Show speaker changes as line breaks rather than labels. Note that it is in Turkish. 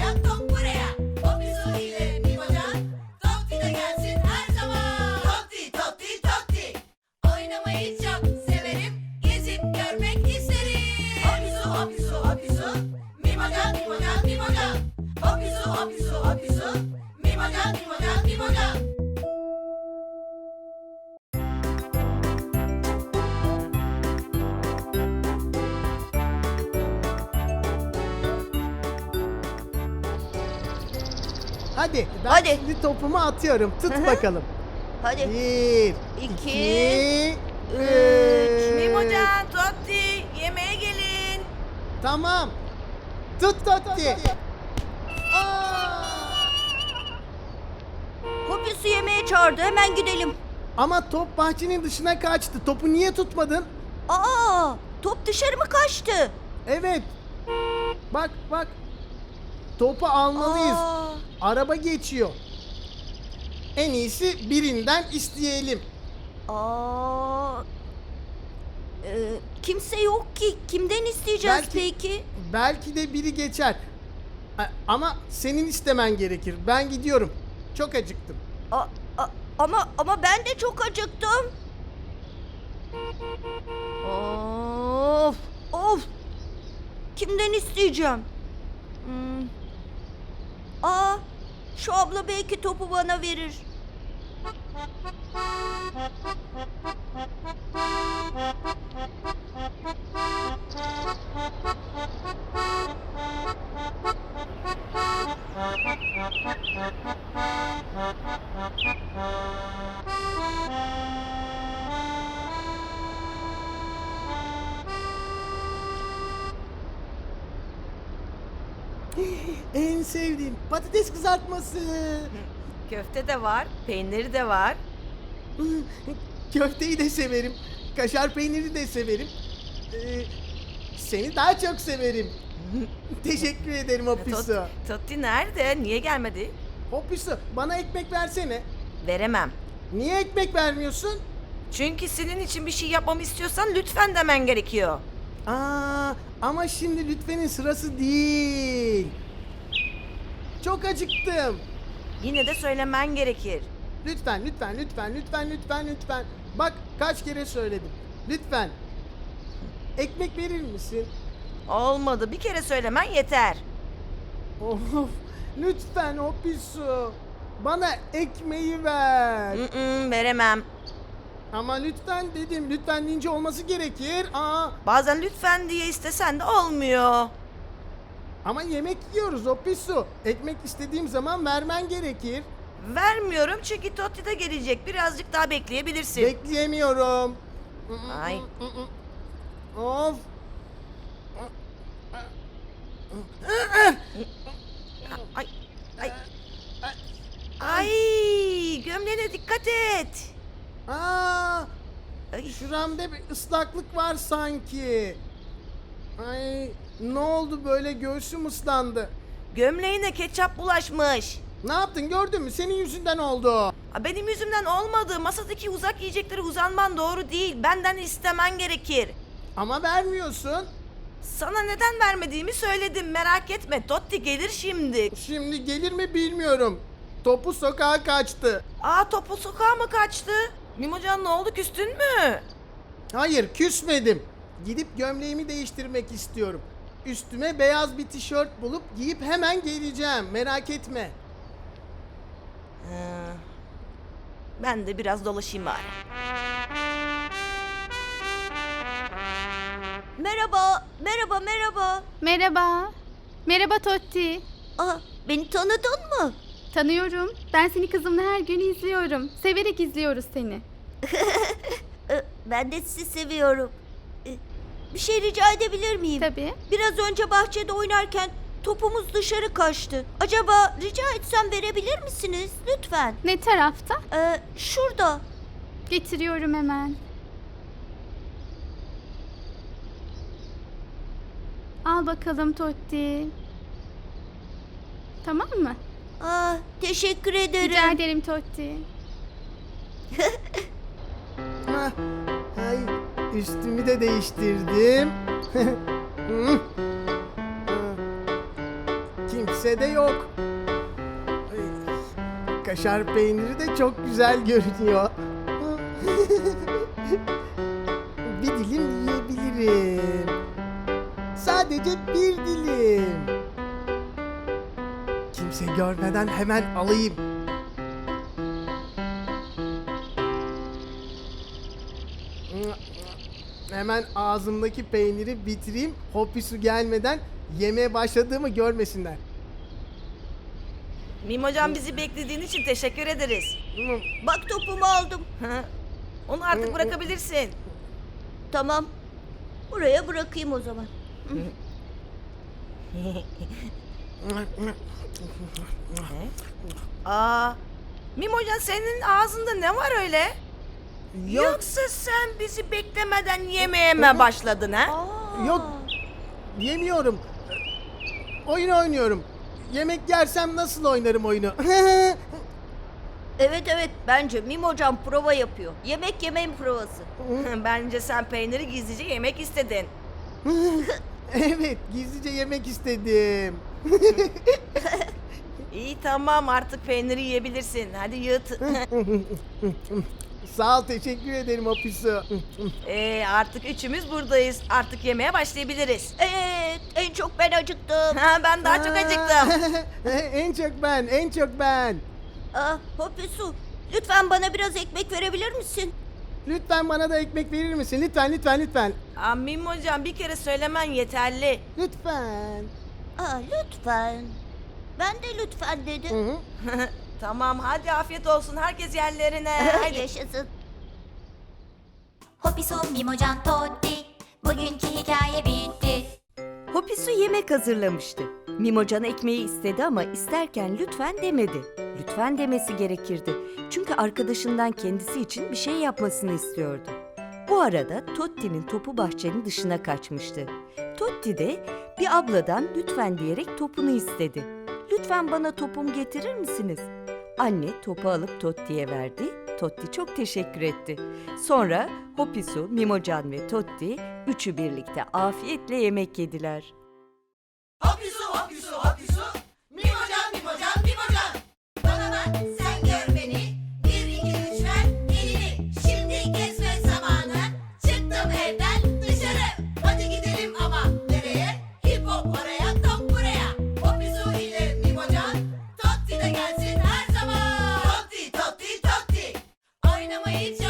oraya, top buraya. Popisu ile Mimocan, Totti de gelsin her zaman. Totti, Totti, Totti. Oynamayı çok severim, gezip görmek isterim. Hopisu, hopisu, hopisu. Mimocan, Mimocan, Mimocan. Hopisu, hopisu, hopisu. Mimocan, Mimocan, Mimocan.
Hadi ben
Hadi.
şimdi topumu atıyorum. Tut
Hı hı.
bakalım.
Hadi.
1,
İki,
2, 3.
Mimocan, Totti, yemeğe gelin.
Tamam. Tut Totti.
Hopisu yemeğe çağırdı. Hemen gidelim.
Ama top bahçenin dışına kaçtı. Topu niye tutmadın?
Aa, top dışarı mı kaçtı?
Evet. Bak bak. Topu almalıyız.
Aa,
Araba geçiyor. En iyisi birinden isteyelim.
aa. Kimse yok ki. Kimden isteyeceğiz
Belki-
peki?
Belki de biri geçer. Ama senin istemen gerekir. Ben gidiyorum. Çok acıktım.
Ama ben de çok acıktım. Of, of. Kimden isteyeceğim? Aa, şu abla belki topu bana verir.
En sevdiğim patates kızartması.
Köfte de var, peyniri de var.
Köfteyi de severim. Kaşar peyniri de severim. Seni daha çok severim. Teşekkür ederim Hopisu.
Totti nerede? Niye gelmedi?
Hopisu bana ekmek versene.
Veremem.
Niye ekmek vermiyorsun?
Çünkü senin için bir şey yapmamı istiyorsan lütfen demen gerekiyor.
Ama şimdi lütfenin sırası değil. Çok acıktım.
Yine de söylemen gerekir.
Lütfen, lütfen, lütfen, lütfen, lütfen, lütfen. Bak kaç kere söyledim. Lütfen. Ekmek verir misin?
Olmadı. Bir kere söylemen yeter.
Of, lütfen Hopisu. Bana ekmeği ver.
Veremem.
Ama lütfen dedim. Lütfen deyince olması gerekir.
Bazen lütfen diye istesen de olmuyor.
Ama yemek yiyoruz Hopisu. Ekmek istediğim zaman vermen gerekir.
Vermiyorum çünkü Totti de gelecek. Birazcık daha bekleyebilirsin.
Bekleyemiyorum.
Ay.
Of.
Ay. Ay. Ay. Gömleğine dikkat et. Ay.
Şuramda bir ıslaklık var sanki. Ay, ne oldu böyle, göğsüm ıslandı.
Gömleğine ketçap bulaşmış.
Ne yaptın, gördün mü? Senin yüzünden oldu.
Benim yüzümden olmadı. Masadaki uzak yiyecekleri uzanman doğru değil. Benden istemen gerekir.
Ama vermiyorsun.
Sana neden vermediğimi söyledim. Merak etme. Totti gelir şimdi.
Şimdi gelir mi bilmiyorum. Topu sokağa kaçtı.
Topu sokağa mı kaçtı? Mimocan ne oldu, küstün mü?
Hayır, küsmedim. Gidip gömleğimi değiştirmek istiyorum. Üstüme beyaz bir tişört bulup giyip hemen geleceğim. Merak etme.
Ben de biraz dolaşayım bari.
Merhaba, merhaba, merhaba.
Merhaba. Merhaba Totti.
Beni tanıdın mı?
Tanıyorum. Ben seni kızımla her gün izliyorum. Severek izliyoruz seni.
Ben de sizi seviyorum. Bir şey rica edebilir miyim?
Tabii.
Biraz önce bahçede oynarken topumuz dışarı kaçtı. Acaba rica etsem verebilir misiniz? Lütfen.
Ne tarafta?
Şurada.
Getiriyorum hemen. Al bakalım Totti. Tamam mı?
Teşekkür ederim.
Rica ederim Totti.
Hah, ay, üstümü de değiştirdim. Hı. Kimse de yok. Ay, kaşar peyniri de çok güzel görünüyor. Bir dilim yiyebilirim. Sadece bir dilim. Kimse görmeden hemen alayım. Hemen ağzımdaki peyniri bitireyim. Hopisu gelmeden yemeye başladığımı görmesinler.
Mimocan bizi beklediğin için teşekkür ederiz.
Bak topumu aldım.
Onu artık bırakabilirsin.
Tamam. Buraya bırakayım o zaman.
Aa, Mimocan senin ağzında ne var öyle?
Yok,
Yoksa sen bizi beklemeden yemeye mi başladın ha?
Aa.
yok. Yemiyorum. Oyun oynuyorum. Yemek yersem nasıl oynarım oyunu?
Evet evet bence Mimocan prova yapıyor. Yemek yemeyin provası.
Bence sen peyniri gizlice yemek istedin.
Evet, gizlice yemek istedim.
İyi tamam artık peyniri yiyebilirsin. Hadi yut.
Sağ ol, teşekkür ederim Hopisu.
Artık üçümüz buradayız. Artık yemeye başlayabiliriz.
Evet en çok ben acıktım.
Ha, ben daha çok acıktım.
En çok ben, en çok ben.
Hopisu lütfen bana biraz ekmek verebilir misin?
Lütfen bana da ekmek verir misin? Lütfen, lütfen, lütfen.
Aa, Mimocan bir kere söylemen yeterli.
Lütfen.
Lütfen. Ben de lütfen
Hı
dedim.
hı.
Tamam hadi afiyet olsun herkes yerlerine. Hadi.
Yaşasın.
Hopisu Mimocan Totti. Bugünkü hikaye bitti.
Hopisu yemek hazırlamıştı. Mimocan ekmeği istedi ama isterken lütfen demedi. Lütfen demesi gerekirdi. Çünkü arkadaşından kendisi için bir şey yapmasını istiyordu. Bu arada Totti'nin topu bahçenin dışına kaçmıştı. Totti de bir abladan lütfen diyerek topunu istedi. Lütfen bana topumu getirir misiniz? Anne topu alıp Totti'ye verdi. Totti çok teşekkür etti. Sonra Hopisu, Mimocan ve Totti üçü birlikte afiyetle yemek yediler.
Hopisu hopisu hopisu. Mimocan Mimocan Mimocan. Bana bak sen gör beni. 1 2 3 ver elini. Şimdi gezme zamanı. Çıktım evden dışarı. Hadi gidelim ama nereye? Hip hop oraya top buraya. Hopisu ile Mimocan. Totti de gelsin her zaman. Totti Totti Totti. Oynamayı